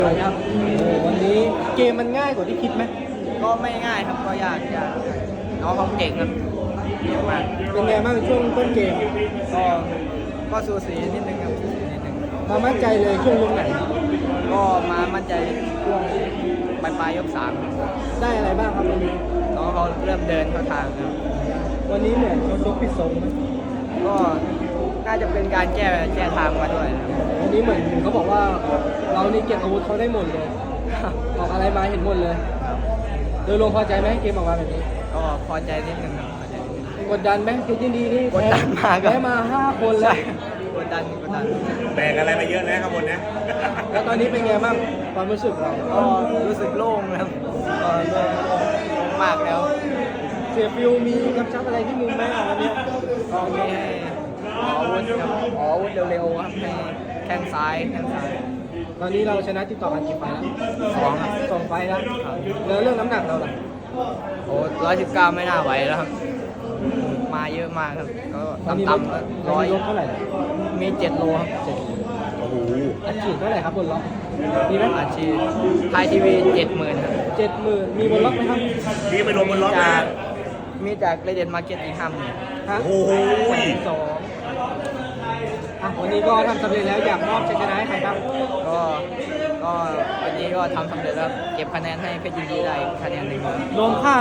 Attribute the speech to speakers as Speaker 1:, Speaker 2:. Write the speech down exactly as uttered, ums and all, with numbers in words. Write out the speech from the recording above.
Speaker 1: ครับโอ้วันนี้เกมมันง่ายกว่าที่คิดไหม
Speaker 2: ก็ไม่ง่ายครับก็ยากยากน้องเขาเก่งครับเก่งมาก
Speaker 1: เป็นไงบ้างช่วงต้นเกม
Speaker 2: ก็ก็สูสีนิดนึงครับสูสีนิดนึง
Speaker 1: มามั่นใจเลยช่วงลงไหน
Speaker 2: ก็มามั่นใจช่วงปลายปลายยกสาม
Speaker 1: ได้อะไรบ้างครับวันนี้
Speaker 2: น้องเขาเริ่มเดินเข้าทางครับ
Speaker 1: วันนี้เหมือนเขาชกผิดทรง
Speaker 2: ก็น่าจะเป็นการแก้แก้ทางมาด้วย
Speaker 1: วันนี้เหมือนเขาบอกว่าเรานี่เก็บอาวุธเขาได้หมดเลยออกอะไรมาเห็นหมดเลยโดยรวมพอใจไหมเกมออกมาแบบนี้
Speaker 2: ก็พอใจนิดนึงครับ
Speaker 1: กดดันไหมคือยินดีที่
Speaker 2: กดดันมาก
Speaker 1: แพ้มาห้าคนเลย
Speaker 2: กดดันกดดัน
Speaker 3: แบกอะไรมาเยอะนะข้างบนนะ
Speaker 1: แล้วตอนนี้เป็นไงบ้างความรู้สึกเรา
Speaker 2: ก็รู้สึกโล่งครับก็โล่งมากแล้ว
Speaker 1: เสียฟิวมีกำชับอะไรที่มุมไหมวันนี้
Speaker 2: ก็มีให้ขออาวุธครับขออาวุธเร็วๆครับให้แข้งซ้ายแข้งซ้าย
Speaker 1: ตอนนี้เราชนะติดต่อกันกี่ไฟแล้ว
Speaker 2: สองครับ
Speaker 1: สองไฟแล้วแล้วเรื่องน้ำหนักเราล่ะ
Speaker 2: โอ้ร้อยสิบเก้าไม่น่าไหวแล้วครับมาเยอะมากครับก็ต่ำๆร้อย
Speaker 1: เท่าไหร่
Speaker 2: มีเจ็ดโลครับเจ็ด
Speaker 3: โอ้โห
Speaker 1: อัดฉีดเท่าไหร่ครับบนล็อกมีไหม
Speaker 2: อาชีพไทยทีวีเจ็ดหมื่นครับ
Speaker 1: เจ็ดหมื่นมีบนล็อกไหมครับ
Speaker 3: มีไปลงบนล็อกนะ
Speaker 2: มีจากเรเดนมาร์เก็ตอีกห้าหมื่น
Speaker 1: ฮะโอ้โหสองอ่ะวันนี้ก็ทำสำเร็จแล้วอยากมอบชัยชนะให้ใครครับ
Speaker 2: ก็ก็วันนี้ก็ทำสำเร็จแล้วเก็บคะแนนให้เพชรยินดีได้คะแนนหนึ่ง
Speaker 1: รวมค่า